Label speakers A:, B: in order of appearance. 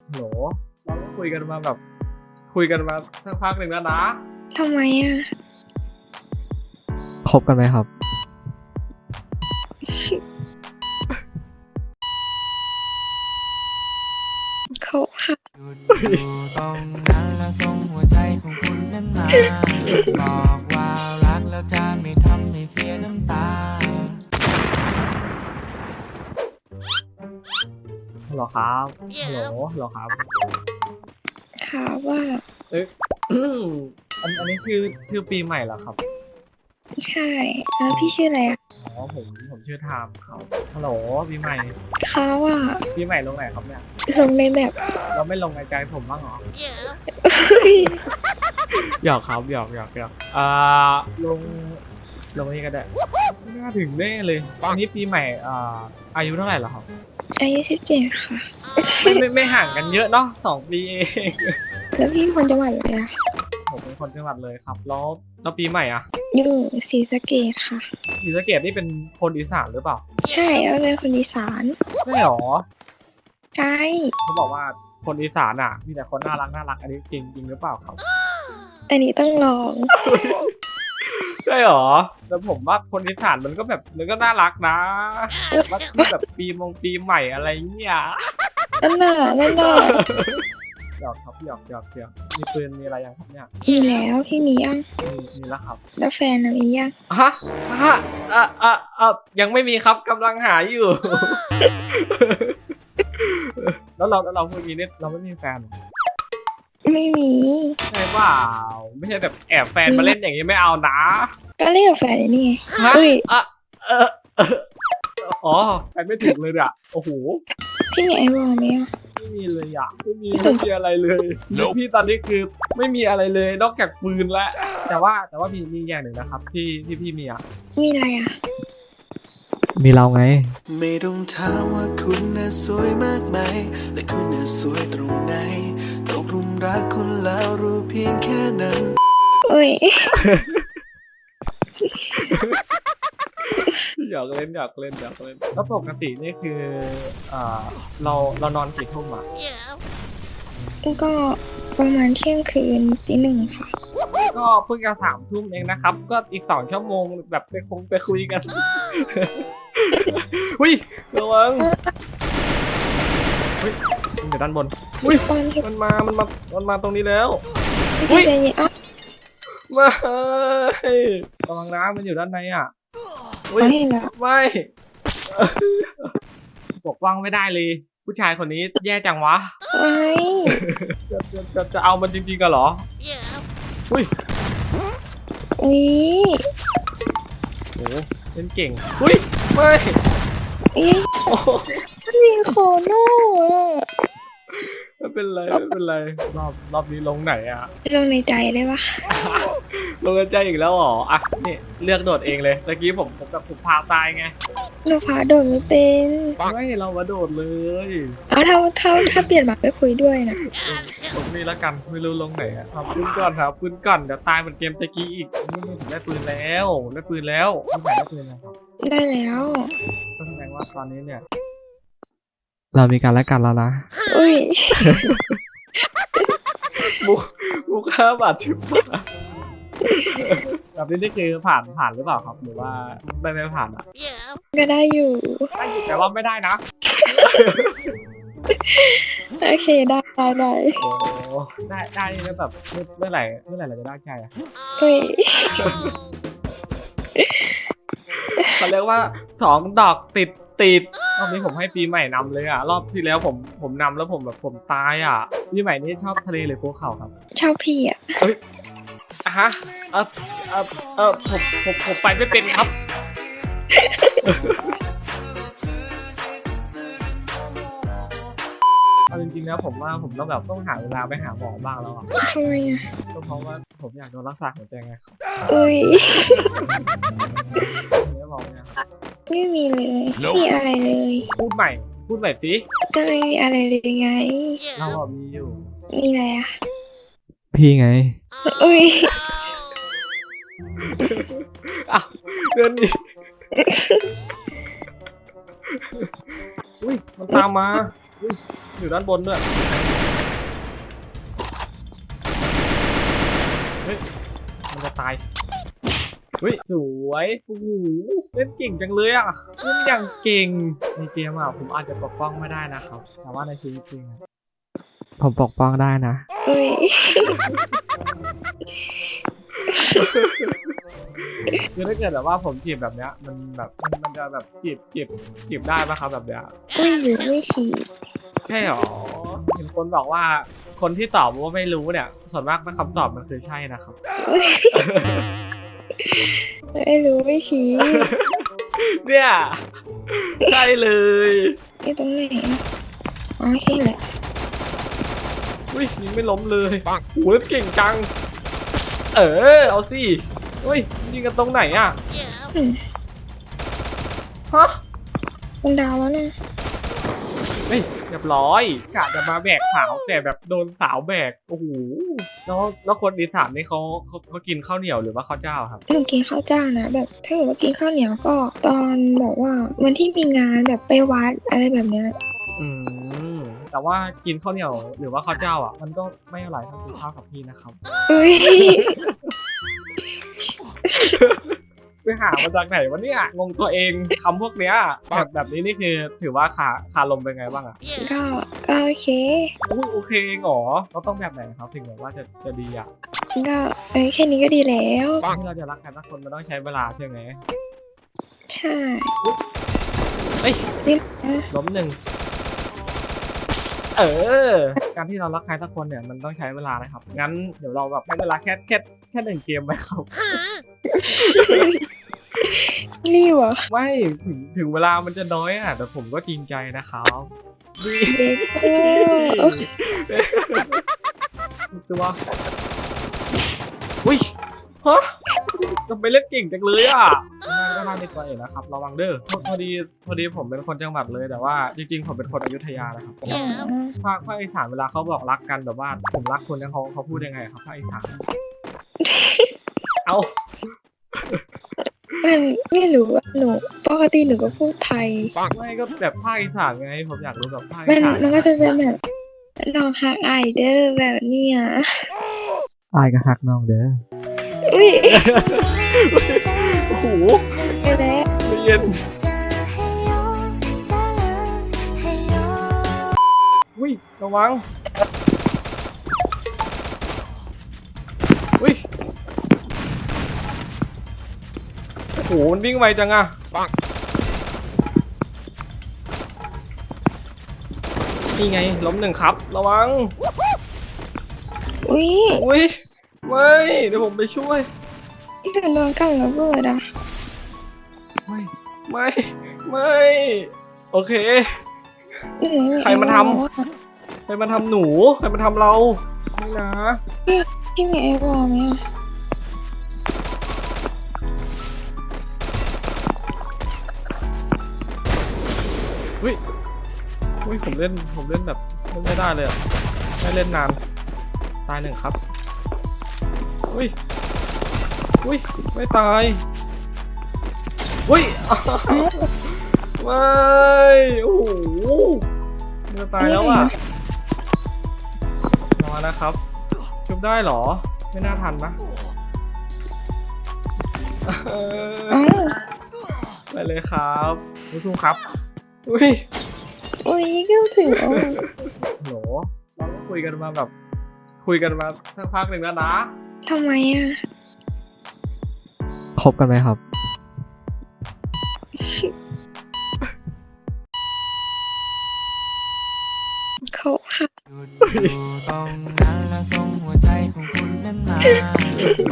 A: โหลเราก็คุยกันมาแบบคุยกันมาสักพักหนึ่งแล้วนะ
B: ทำไมอ่ะ
C: คบกันไหมครับ
B: เขาค่ะ
D: อยู่ตรงนั้นแล้วส่งหัวใจของคุณนั้นมาบอกว่ารักแล้วจะไม่ทำให้เสียน้ำตา
A: ฮัลโหลครับฮัลโหลฮัลโหลครับ
B: ค่ะว่า
A: เอ๊ะ อันนี้ชื่อปีใหม่เหรอครับ
B: ใช่แล้วพี่ชื่ออะไรอ่ะ
A: อ๋อผมชื่อไทม์ครับฮัลโหลปีใหม่
B: เขาว่า
A: ปีใหม่ลงไหนครับเนี่ย
B: ลงในแบบ
A: เราไม่ลงในใจผมบ้างเหรอหยอกครับหยอกลงนี่ก็ได้ไม่น่าถึงแน่เลยอันนี้ปีใหม่อายุเท่าไหร่เหรอครับ
B: อายุ17ค่ะ
A: ไม่ห่างกันเยอะเนาะ2 ปีเอง
B: แล้วพี่คนจังหวัดอะไรอ่ะ
A: ผมเป็นคนจังหวัดเลยครับแล้วปีใหม่อ่ะ
B: อยู่ศรีสะเกษค่ะ
A: ศรีสะเกษนี่เป็นคนอีสานหรือเปล่า
B: ใช่แล้วเป็นคนอีสาน
A: ไม่หรอ
B: ใช่
A: เขาบอกว่าคนอีสานอ่ะมีแต่คนน่ารักอันนี้จริงหรือเปล่าครับ
B: อันนี้ต้องลอง
A: ใช่หรอแต่ผมว่าคนอีสานมันก็น่ารักนะว่าคือแบบปีใหม่อะไรเงี้ย
B: นั่นน่ะ
A: หยอกครับหยอกมีปืนมีอะไรยังครับเนี่ย
B: มีแล้วพี่มียัง
A: มีแล้วครับ
B: แล้วแฟนน่ะมียัง
A: ฮะยังไม่มีครับกำลังหาอยู่ แล้วเราพูดอย่างนี้เนี่ยเราไม่มีแฟนเหรอ
B: ไม่มี
A: ใช่เปล่าไม่ใช่แบบแอบแฟนมาเล่นอย่างนี้ไม่เอานะ
B: ก็เรียกแฟนนี่ไง
A: ฮะ
B: เอ้ย
A: อ๋อแฟนไม่ถึงเลยอ่ะโอ้โห
B: พี่มีไอวอลไหมอ่ะ
A: ไม่มีเลยอ่ะไม่มีอะไรเลยพี่ตอนนี้คือไม่มีอะไรเลยนอกจากปืนและแต่ว่ามีอย่างหนึ่งนะครับที่พี่มีอ่ะ
B: มีอะไรอ่ะ
C: มีเราไง
D: ไม่ต้องถามว่าคุณน่ะสวยมากไหมและคุณน่ะสวยตรงไหนตกหลุมรักคุณแล้วรู้เพียงแค่นั้น
B: เอ้ย
A: อยากเล่นแล้วปกตินี่คือเรานอนกี่ทุ่มอ่ะ
B: ก็ประมาณเที่ยงคืนตี 1ค่ะ
A: ก็เพิ่งจะ3 ทุ่มเองนะครับ ก็อีก2 ชั่วโมงแบบไปคุยกัน อุ้ยระวังอุ้ยมันอยู่ด้านบนอุ้ย
B: ตอนที่
A: มันมาตรงนี้แล้ว
B: พี่ใจเย็นอ้าว
A: ไม่ระวังนะมันอยู่ด้านในอ่ะอุ้ย
B: ไม่ละ
A: ไม่ปกป้องไม่ได้เลย ผู้ชายคนนี้แย่จังวะ
B: ไม่
A: จะเอามันจริงๆกันเหรออุ้ย
B: อุ้ย
A: โอ้เล่นเก่งอุ้ยไม่
B: เอ้ย
A: โอ้
B: มันมีโคโน่อะ
A: ไม่เป็นไรรอบนี้ลงไหนอ่ะ
B: ลงในใจได้ปะ
A: ลงใจอีกแล้วเหรออ่ะนี่เลือกโดดเองเลยตะกี้ผมแบบผมพาตายไง
B: หนูพาโดดไม่เป็น
A: ไม่เรามาโดดเลย
B: เอาถ้าเปลี่ยนมาไปคุยด้วยนะ
A: ผมนี่ละกันไม่รู้ลงไหนอ่ะทำปืนก่อนครับปืนก่อนเดี๋ยวตายเหมือนเกมตะกี้อีกนี่ผมได้ปืนแล้วพี่ใหม่ได้ปืนแล้วครับ
B: ได้แล้ว
A: ก็แสดงว่าตอนนี้เนี่ย
C: เรามีกันและกันแล้วนะ
B: อุ้ย
A: มุก5 บาท10 บาทแบบนี้นี่คือผ่านหรือเปล่าครับหรือว่าไม่ผ่านอ่ะ
B: ก็ได้อยู่
A: ได้อยู่แต่ว่าไม่ได้นะ
B: โอเคได้ได้
A: โอ้ได้แล้วแบบเมื่อไหร่เราจะได้ใจอ่ะ
B: เฮ้ย
A: เขาเรียกว่า2 ดอกติดรอบนี้ผมให้ปีใหม่นำเลยอ่ะรอบที่แล้วผมนำแล้วผมตายอ่ะปีใหม่นี่ชอบทะเลหรือภูเขาครับ
B: ชอบพี่อ่ะ
A: อ่ะฮะผมไปไม่เป็นครับ เอาจริงๆนะผมว่าผมต้องหาเวลาไปหาหมอบ้างแล้วอ่ะ
B: ทำไมอ่ะ
A: ก็เพราะว่าผมอยากโดนรักษาหัวใจไงครับ
B: อุ้ย
A: ไม่บอกเนี่ยครับ
B: ไม่มีเลยไม่มีอะไรเลย
A: พูดใหม่สิ
B: ก็ไม่มีอะไรเลยไง
A: เราอ่ะมีอยู่
B: มีอะไรอ่ะ
C: พี่ไง
B: อุ้ย
A: อ้าวเดินดิอุ้ยมันตามมาอุ้ยอยู่ด้านบนด้วยฮ้ยมันจะตายเฮ้ยสวยโอ้โหเล่นเก่งจังเลยอ่ะเล่นอย่างเก่งในเกมอ่ะผมอาจจะปกป้องไม่ได้นะครับแต่ว่าในชีวิตจริงอะ
C: ผมปกป้องได้นะ
B: เอ้ย
A: คือถ้าเกิดแบบว่าผมจีบแบบเนี้ยมันแบบมันจะแบบจีบได้ปะครับแบบเนี้ย
B: ไม่รู้ไม่ชี้
A: ใช่หรอเห็นคนบอกว่าคนที่ตอบว่าไม่รู้เนี่ยส่วนมากคำตอบมันคือใช่นะครับ
B: ไม่รู้ไม่ชี้
A: เนี่ยใช่เลย
B: นี่ตรงไหนอะอ๋อแค่แหละ
A: อุ้ยยิงไม่ล้มเลยโหเก่งจังเอาสิอุ้ยยิงกันตรงไหนอ่ะ
B: อืม
A: ฮะ
B: ตรงดาวแล้วนะ
A: เฮ้ยเรียบร้อยกะจะมาแบกสาวแต่แบบโดนสาวแบกโอ้โหแล้วคนอีสานนี่เขากินข้าวเหนียวหรือว่าข้าวเจ้าครับ
B: หนูกินข้าวเจ้านะแบบถ้าเกิดว่ากินข้าวเหนียวก็ตอนแบบว่าวันที่มีงานแบบไปวัดอะไรแบบเนี้ย
A: อืมแต่ว่ากินข้าวเหนียวหรือว่าข้าวเจ้าอ่ะมันก็ไม่อร่อยเท่ากินข้าวกับพี่นะครับ
B: เอ้ย
A: ไปหามาจากไหนวะเนี่ยงงตัวเองคำพวกเนี้ยแบบนี้นี่คือถือว่าขาลมเป็นไงบ้างอ่ะ
B: ก็โอเค
A: อุ้ยโอเคเหรอเราต้องแบบไหนครับถึงแบบว่าจะดีอ่ะ
B: ก็แค่นี้ก็ดีแล้ว
A: ที่เราจะรักใครสักคนมันต้องใช้เวลาใช่ไหม
B: ใช่
A: เอ้ย
B: นี่นะ
A: ล้มหนึ่งการที่เรารักใครสักคนเนี่ยมันต้องใช้เวลานะครับงั้นเดี๋ยวเราแบบใช้เวลาแค่หนึ่งเกมไหมครับ
B: รีบเหรอ
A: ไม่ถึงเวลามันจะน้อยอ่ะแต่ผมก็จริงใจนะครับดี
B: เด็กเออ
A: ตัวอุ้ยฮะทำไมเล่นเก่งจังเลยอ่ะก็น่าในตัวเองนะครับระวังเด้อพอดีผมเป็นคนจังหวัดเลยแต่ว่าจริงๆผมเป็นคนอยุธยานะครับภาคอีสานเวลาเขาบอกรักกันแบบว่าผมรักคุณเนี่ยเขาพูดยังไงครับภาคอีสานเอา
B: มันไม่รู้ว่าหนูปกติหนูก็พูดไทย
A: ไม่ก็แบบภาคอีสานไงผมอยากรู้แบบภาค
B: มั
A: อี
B: น
A: สาน
B: มันก็จะเป็นแบบน้องฮักไอเดอร์แบบเนี้ย
C: อายก็ฮักน้องเด้อ
B: อุ้ย
A: โอ้โห
B: ไปแล้ว
A: เย็นอุ้ยระวังอุ้ยโอ้โหมันวิ่งไวจังอะนี่ไงล้มหนึ่งครับระวัง
B: อุ้ย
A: อุ้ยไม่เดี๋ยวผมไปช่วย
B: เดือดร้อนกับระเบิดอ่ะ
A: ไม่โอเค ใครมาทำ ใครมาทำหนูใครมาทำเราไม่นะ
B: พี่มีไอ้วอลไหมอ่ะ
A: อุ้ยผมเล่นแบบเล่นไม่ได้เลยอ่ะไม่เล่นนานตายหนึ่งครับอุ้ยไม่ตายอุ้ย ไม่โอ้โหจะตายแล้วอ่ะรอนะครับชุบได้เหรอไม่น่าทันนะ
B: อ๋อ
A: ไปเลยครับผู้ชมครับอุ้ย
B: อุ้ยก็ถึงอ๋อ
A: โหเราก็คุยกันมาสักพักหนึ่งแล้วนะ
B: ทำไมอ่ะ
C: คบกันไหมครับ
B: เขาค่ะ
D: หยุดอยู่ตรงนั้นแล้วส่งหัวใจของคุณนั้นมา